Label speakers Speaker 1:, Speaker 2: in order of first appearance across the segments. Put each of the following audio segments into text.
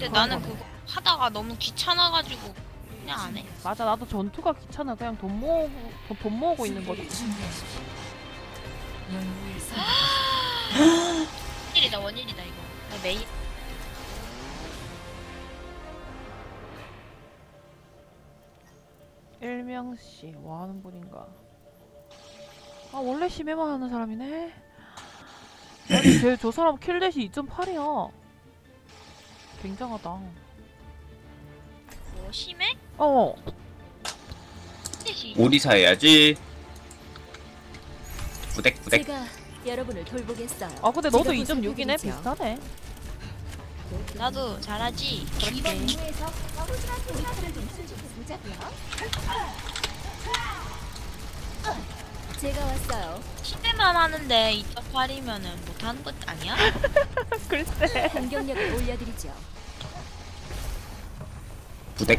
Speaker 1: 근데 나는 그거 하다가 너무 귀찮아가지고 그냥 안 해.
Speaker 2: 맞아, 나도 전투가 귀찮아. 그냥 돈 모으고 있는 거지.
Speaker 1: 원일이다 원일이다 이거. 나 매일.
Speaker 2: 일명씨 뭐 하는 분인가? 아 원래 심해만 하는 사람이네. 아니 저 사람 킬댓이 2.8이야. 굉장하다.
Speaker 1: 뭐 심해?
Speaker 2: 어.
Speaker 3: 오리사 해야지. 부댁.
Speaker 4: 제가 여러분을 돌보겠어요.
Speaker 2: 아 근데 너도
Speaker 4: 제가
Speaker 2: 2.6이네.
Speaker 4: 보살펴드리죠.
Speaker 2: 비슷하네.
Speaker 1: 나도 잘하지.
Speaker 2: 그렇지.
Speaker 4: 제가 왔어요.
Speaker 1: 심해만 하는데 2.8이면은 못하는 것 아니야?
Speaker 2: 글쎄.
Speaker 4: 공격력을 올려드리죠.
Speaker 3: 부댁.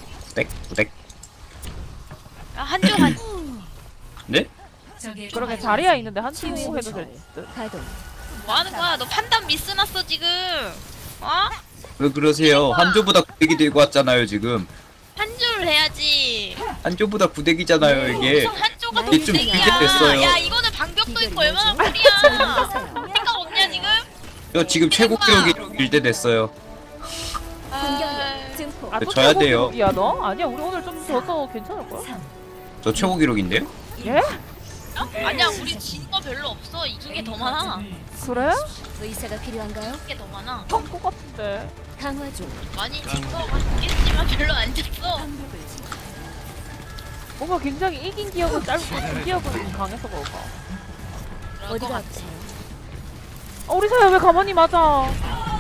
Speaker 1: 아, 한쪽
Speaker 3: 네?
Speaker 2: 그러게 자리야 있는데 한 팀
Speaker 4: 치유의
Speaker 2: 해도 될
Speaker 4: 물살.
Speaker 2: 듯.
Speaker 4: 가동.
Speaker 1: 뭐 하는 거야? 너 판단 미스 났어 지금. 어?
Speaker 3: 왜 그러세요? 한조보다 구데기 들고 왔잖아요 지금.
Speaker 1: 한 줄 해야지.
Speaker 3: 한조보다 구데기잖아요 이게.
Speaker 1: 무슨 한조가
Speaker 3: 이게 좀
Speaker 1: 동생이야.
Speaker 3: 비슷했어요.
Speaker 1: 야 이거는 반격도 있고 얼마나 꿀이야. 생각 없냐 지금?
Speaker 3: 저 지금 최고 기록이 1대 됐어요.
Speaker 4: 공격력 증폭.
Speaker 2: 아, 또
Speaker 3: 져야
Speaker 2: 최고
Speaker 3: 돼요.
Speaker 2: 기록이야 너? 아니야 우리 오늘 좀 져서 괜찮을 거야.
Speaker 3: 저 최고 기록인데요?
Speaker 2: 예?
Speaker 1: 아니야 우리 진 거 별로 없어. 이긴 게 더 많아.
Speaker 2: 그래?
Speaker 4: 의사가 필요한가요?
Speaker 1: 이긴 게 더 많아.
Speaker 2: 한것 같은데.
Speaker 4: 강화 중.
Speaker 1: 많이 진거 같겠지만 별로 안 졌어.
Speaker 2: 뭔가 굉장히 이긴 기억은 짧고 진 기억은 강해서 그럴까.
Speaker 1: 그럴 것
Speaker 4: 어디가
Speaker 1: 같아.
Speaker 4: 아프세요?
Speaker 2: 우리 사야 왜 가만히 맞아?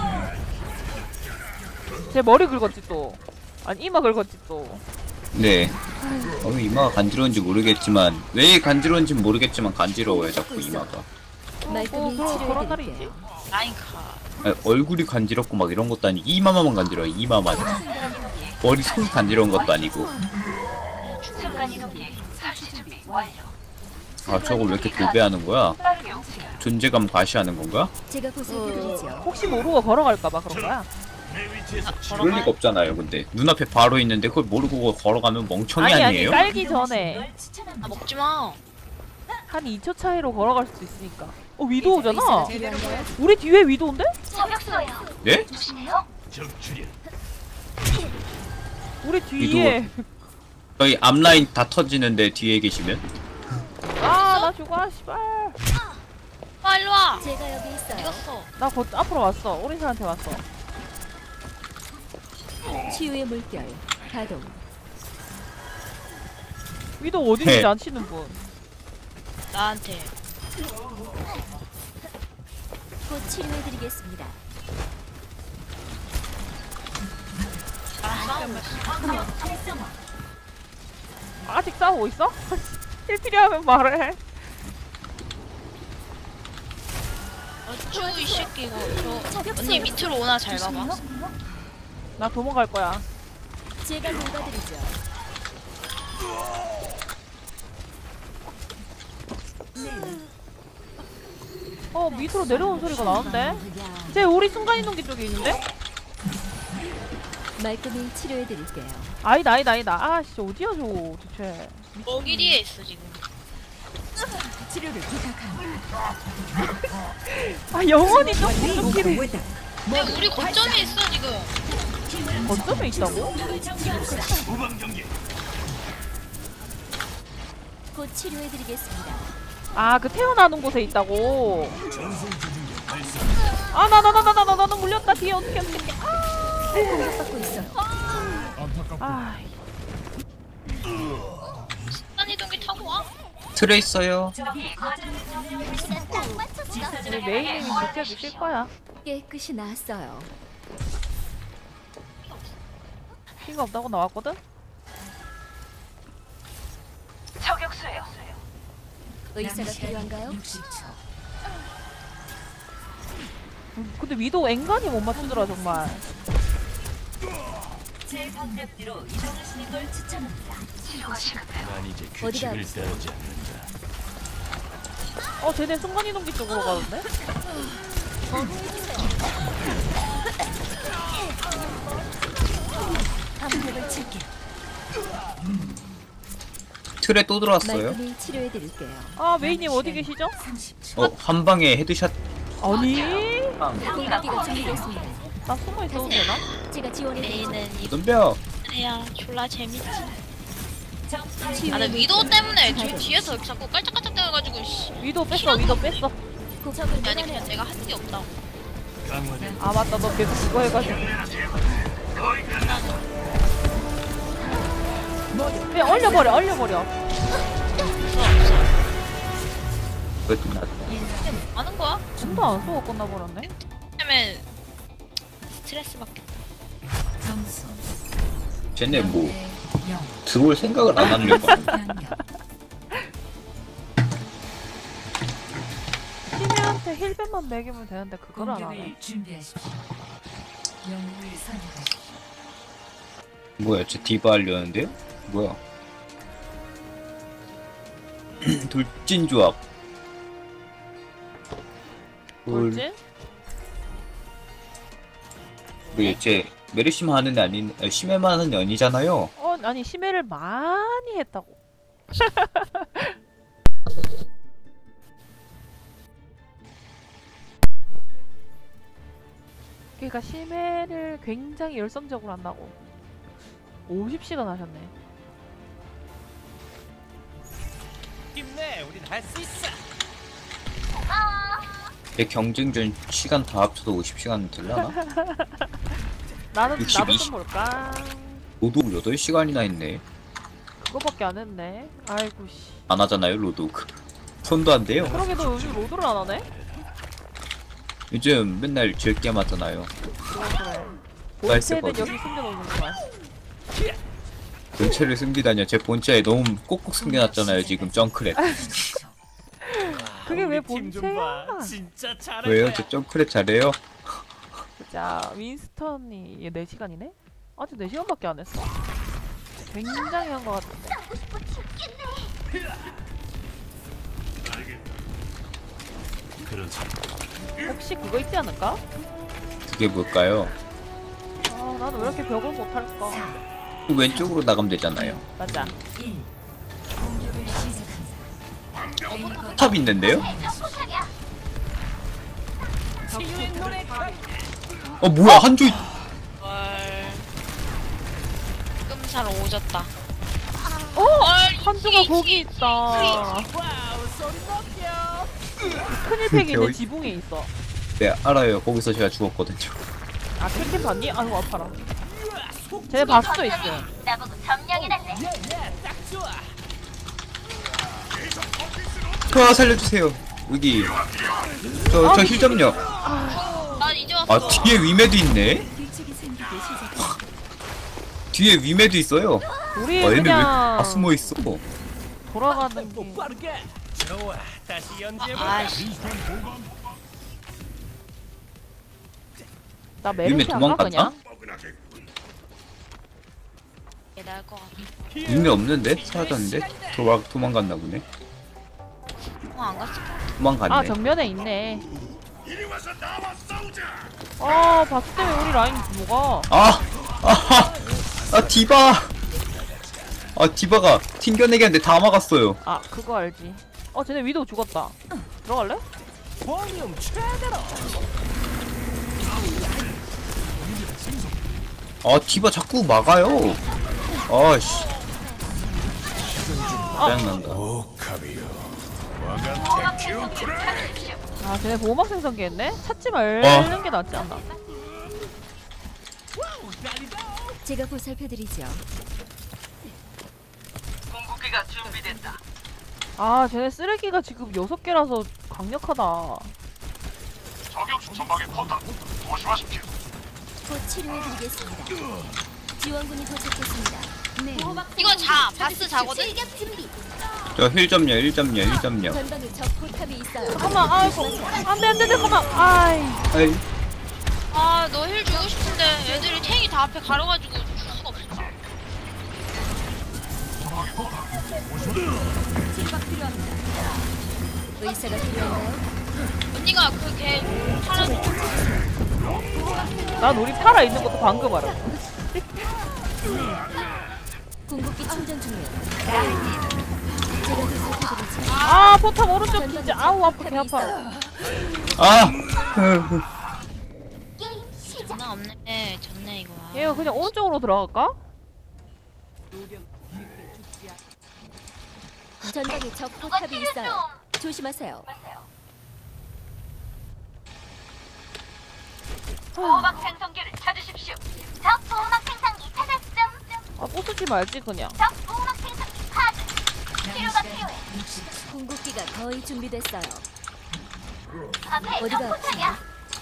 Speaker 2: 제 머리 긁었지 또. 아니 이마 긁었지 또.
Speaker 3: 네. 이마가 간지러운지 모르겠지만 왜 간지러운지 모르겠지만 간지러워요 자꾸 이마가.
Speaker 4: 말끔히
Speaker 2: 그런 날이 있지.
Speaker 4: 치료해드릴게요.
Speaker 1: 라인카.
Speaker 3: 아니, 얼굴이 간지럽고 막 이런 것도 아니고 이마만 간지러워 이마만. 머리 손이 간지러운 것도 아니고. 아 저걸 왜 이렇게 도배하는 거야? 존재감 과시하는 건가?
Speaker 4: 제가 보살펴드리죠.
Speaker 2: 혹시 모르고 걸어갈까봐 그런 거야.
Speaker 3: 그럴 리가 없잖아요 근데 눈앞에 바로 있는데 그걸 모르고 걸어가면 멍청이
Speaker 2: 아니
Speaker 3: 아니에요?
Speaker 2: 깔기 전에
Speaker 1: 아 먹지 마.
Speaker 2: 한 2초 차이로 걸어갈 수도 있으니까. 위도우잖아.
Speaker 4: 의사가 필요한가요?
Speaker 2: 우리 뒤에 위도우인데?
Speaker 3: 네?
Speaker 2: 우리 뒤에.
Speaker 3: 저희 앞라인 다 터지는데 뒤에 계시면
Speaker 2: 아 나 죽어 씨발.
Speaker 1: 아 일로 와.
Speaker 4: 제가 여기 있어요.
Speaker 1: 이겼어.
Speaker 2: 나 곧 앞으로 왔어. 오리사한테 왔어.
Speaker 4: 치유의 물결 가동.
Speaker 2: 위도우 어딘지
Speaker 3: 네.
Speaker 2: 안 치는 분.
Speaker 1: 나한테.
Speaker 4: 곧 치료해드리겠습니다.
Speaker 1: 아 싸움.
Speaker 2: 아직 싸우고 있어? 힐 필요하면 말해.
Speaker 1: 어쭈 이 새끼 이거. 저 언니 밑으로 오나 잘 봐봐.
Speaker 2: 나 도망갈 거야.
Speaker 4: 제가 돌봐드리죠.
Speaker 2: 밑으로 내려오는 소리가 나는데? 쟤 우리 순간이동기 쪽에 있는데?
Speaker 4: 말끔히 치료해드릴게요.
Speaker 2: 아니다. 아 씨 어디야 저거 대체.
Speaker 1: 먹이리에 있어 지금.
Speaker 4: 치료를 부탁합니다.
Speaker 2: 아 영원히 좀 공격기를
Speaker 1: 근데 우리 거점에 있어 지금.
Speaker 2: 거점에 있다고?
Speaker 4: 곧 치료해드리겠습니다.
Speaker 2: 아 그 태어나는 곳에 있다고? 아 나는 물렸다 뒤에 어떻게
Speaker 4: 공격받고 있어.
Speaker 2: 아
Speaker 1: 순간이동기 타고 와.
Speaker 3: 틀에 있어요.
Speaker 2: 우리 메인님이 직접 있을 거야.
Speaker 4: 깨끗이 나았어요.
Speaker 2: 피가 없다고 나왔거든?
Speaker 4: 의사가 필요한가요?
Speaker 2: 근데 위도우 앵간히 못 맞추더라 정말.
Speaker 4: 어디가
Speaker 2: 쟤네 순간이동기 쪽으로 가던데?
Speaker 3: 틀에 또 들어왔어요?
Speaker 4: 말끔히 치료해 드릴게요.
Speaker 2: 아 메이님 어디 계시죠?
Speaker 3: 한 방에 헤드샷.
Speaker 2: 아니
Speaker 4: 공격기가 준비됐습니다.
Speaker 2: 나 숨어 있어도 되나?
Speaker 4: 제가 지원해 드리죠.
Speaker 1: 메이는 이거
Speaker 3: 덤벼.
Speaker 1: 야 졸라 재밌지.
Speaker 4: 치유의
Speaker 1: 아나 위도우
Speaker 4: 물결.
Speaker 1: 때문에
Speaker 4: 가동.
Speaker 1: 뒤에서 자꾸 깔짝깔짝 대가지고 씨.
Speaker 2: 위도 뺐어 위도 뺐어.
Speaker 4: 적을
Speaker 1: 아니 그냥
Speaker 4: 몰아내요.
Speaker 1: 내가 한 게 없다.
Speaker 2: 아 맞다 너 계속 그거 해가지고. 그냥 얼려버려 얼려버려.
Speaker 3: 그것도 나.
Speaker 1: 아는 거야?
Speaker 2: 춤도 안 쏘고 끝나버렸네.
Speaker 1: 때문에 스트레스 받게.
Speaker 3: 쟤네 뭐 들어올 생각을 안 하는 거.
Speaker 2: 시미한테 힐백만 먹이면 되는데 그걸 안 하네.
Speaker 3: 뭐야, 쟤 디바 하려는데요? 뭐야? 돌진 조합.
Speaker 2: 뭐지?
Speaker 3: 쟤 메르시만 하는 애 아닌, 심해만 하는 애 아니잖아요.
Speaker 2: 아니 심해를 많이 했다고. 그러니까 심해를 굉장히 열성적으로 한다고. 50시간 하셨네.
Speaker 5: 힘내, 우린 할 수 있어.
Speaker 3: 내 경쟁전 시간 다 합쳐도 50시간 되려나?
Speaker 2: 나도
Speaker 3: 62
Speaker 2: 좀 볼까.
Speaker 3: 로드 8시간이나 했네.
Speaker 2: 그거밖에 안 했네. 아이고 씨.
Speaker 3: 안 하잖아요, 로드. 손도 안 돼요.
Speaker 2: 그러게 너 요즘 로드를 안 하네?
Speaker 3: 요즘 맨날 즐게 하잖아요.
Speaker 2: 그래.
Speaker 3: 나이스
Speaker 2: 본체는
Speaker 3: 버디.
Speaker 2: 여기 숨겨놓는 거야.
Speaker 3: 본체를 숨기다니요. 제 본체에 너무 꼭꼭 숨겨놨잖아요, 지금 정크랩.
Speaker 2: 그게 왜
Speaker 5: 우리 팀좀 봐.
Speaker 2: 본체야?
Speaker 5: 진짜 잘할
Speaker 3: 왜요?
Speaker 5: 거야.
Speaker 3: 저 정크랩 잘해요?
Speaker 2: 자, 윈스턴이 얘 4시간이네? 아직 4시간밖에 안 했어. 굉장히 한 것 같은데. 혹시 그거 있지 않을까?
Speaker 3: 그게 뭘까요?
Speaker 2: 아, 나는 왜 이렇게 벽을 못할까?
Speaker 3: 왼쪽으로 나가면 되잖아요.
Speaker 2: 맞아.
Speaker 3: 탑 있는데요? 뭐야, 한조 있...
Speaker 1: 헐. 끔살 오졌다.
Speaker 2: 어!
Speaker 1: 헐,
Speaker 2: 한조가 거기 있다.
Speaker 5: 와우, 소리 높여.
Speaker 2: 큰일팩이 있는
Speaker 3: 어이-
Speaker 2: 지붕에 있어.
Speaker 3: 네, 알아요. 거기서 제가 죽었거든요.
Speaker 2: 아, 킬캠 봤니? 아이고, 아파라. 쟤 봤어, 있어.
Speaker 5: 예, 딱 좋아.
Speaker 3: 살려주세요. 여기. 저 힐 점요.
Speaker 1: 난 이제 왔어.
Speaker 3: 뒤에 위메도 있네?
Speaker 4: 규칙이 생기기 시작합니다.
Speaker 3: 뒤에 위메도 있어요.
Speaker 2: 우리
Speaker 3: 얘네 왜
Speaker 2: 그냥
Speaker 3: 다 숨어있어?
Speaker 2: 돌아가는
Speaker 5: 또
Speaker 2: 게.
Speaker 5: 빠르게. 좋아, 다시 연주해볼까?
Speaker 1: 아이씨.
Speaker 2: 나
Speaker 3: 위메
Speaker 2: 메르시 안 가,
Speaker 3: 도망갔나?
Speaker 2: 그냥?
Speaker 1: 얘 나을 것 같아.
Speaker 3: 위메 없는데? 사라졌는데? 도망갔나 보네.
Speaker 1: 안 갔을 것 같아.
Speaker 3: 도망갔네.
Speaker 2: 아, 정면에 있네. 바스 때문에 우리 라인 뭐가?
Speaker 3: 디바! 디바가 튕겨내기 하는데 다 막았어요.
Speaker 2: 아, 그거 알지. 쟤네 위도우 죽었다. 들어갈래?
Speaker 5: 볼륨 최대로.
Speaker 3: 디바 자꾸 막아요. 씨. 짜증난다.
Speaker 2: 아, 쟤네 보호막 생성기 했네? 찾지 말는 게 낫지 않나?
Speaker 4: 제가 보살펴드리죠.
Speaker 2: 아, 쟤네 쓰레기가 지금 6개라서 강력하다.
Speaker 4: 곧 치료해드리겠습니다. 지원군이 도착했습니다. 네.
Speaker 1: 이거 바스 자거든?
Speaker 4: 출격 준비.
Speaker 3: 저 힐 점요.
Speaker 4: 전방에 적 포탑이 있어요.
Speaker 2: 잠깐만, 아이고. 안 돼, 잠깐만. 아이.
Speaker 3: 아이,
Speaker 1: 너 힐 주고 싶은데 애들이 탱이 다 앞에 가려가지고 줄 수가 없어.
Speaker 4: 치료가 필요합니다. 의사가 필요한가요?
Speaker 1: 언니가 그 걔 사람
Speaker 2: 난 우리 팔아 있는 것도 방금 알아.
Speaker 4: 궁극기 충전 중이에요. 제가 보살펴드리죠.
Speaker 2: 아 포탑 오른쪽 진짜 아우 아파 개 아파.
Speaker 3: 아!
Speaker 1: 나 없네. 졌네 이거.
Speaker 2: 얘가 그냥 오른쪽으로 들어갈까?
Speaker 4: 전방에 적 포탑이 있어요. 조심하세요.
Speaker 6: 보호막 생성기를 찾으십시오. 적 보호막 생성기 찾았음.
Speaker 2: 아 부수지 말지 그냥.
Speaker 6: 적 보호막 생성기 파괴. 치료가 필요해.
Speaker 4: 궁극기가 거의 준비됐어요.
Speaker 6: 앞에 적
Speaker 4: 어디가
Speaker 6: 포탑이야.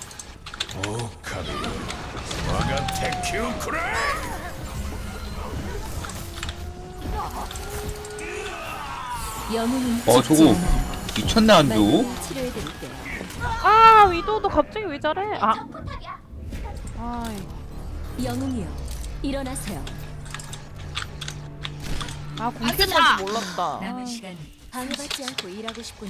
Speaker 4: 영웅은
Speaker 3: 저거
Speaker 4: 죽지 않아요.
Speaker 3: 미쳤네 안주.
Speaker 4: 말끔히 치료해드릴게요.
Speaker 2: 아 위도도 갑자기 왜 저래? 아
Speaker 6: 포탑이야.
Speaker 2: 아이
Speaker 4: 영웅이요, 일어나세요.
Speaker 2: 아 공격할
Speaker 1: 알겠다.
Speaker 2: 줄 몰랐다.
Speaker 4: 방해받지 않고 일하고 싶군요.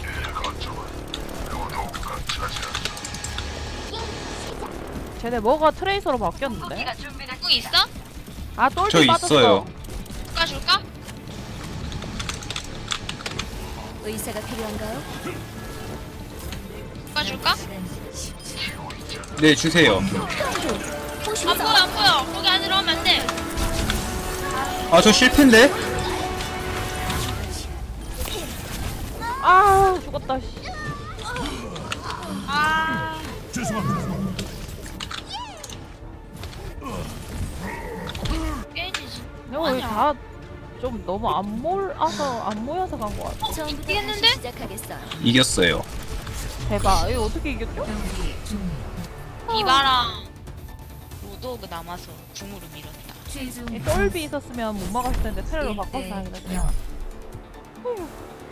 Speaker 2: 쟤네 뭐가 트레이서로 바뀌었는데?
Speaker 6: 기가 준비됐어.
Speaker 1: 공 있어?
Speaker 2: 아 똘비
Speaker 3: 저
Speaker 2: 빠졌어.
Speaker 3: 있어요.
Speaker 1: 줄까?
Speaker 4: 의사가 필요한가요?
Speaker 1: 줄까?
Speaker 3: 네 주세요.
Speaker 1: 안 보여 안 보여. 거기 안으로 오면 안 돼.
Speaker 3: 아 저 실패인데?
Speaker 2: 아 죽었다. 씨.
Speaker 1: 아. 깨지지.
Speaker 2: 내가 왜다좀 너무 안 모여서 간 거 같아.
Speaker 4: 처음부터
Speaker 1: 이겼는데?
Speaker 4: 다시 시작하겠어요.
Speaker 3: 이겼어요.
Speaker 2: 대박. 이거 어떻게 이겼죠?
Speaker 1: 이바랑 로도그 남아서 궁으로 밀었다.
Speaker 2: 이 똘비 있었으면 못 막았을 텐데 테러로 바꿔서 하긴 했어.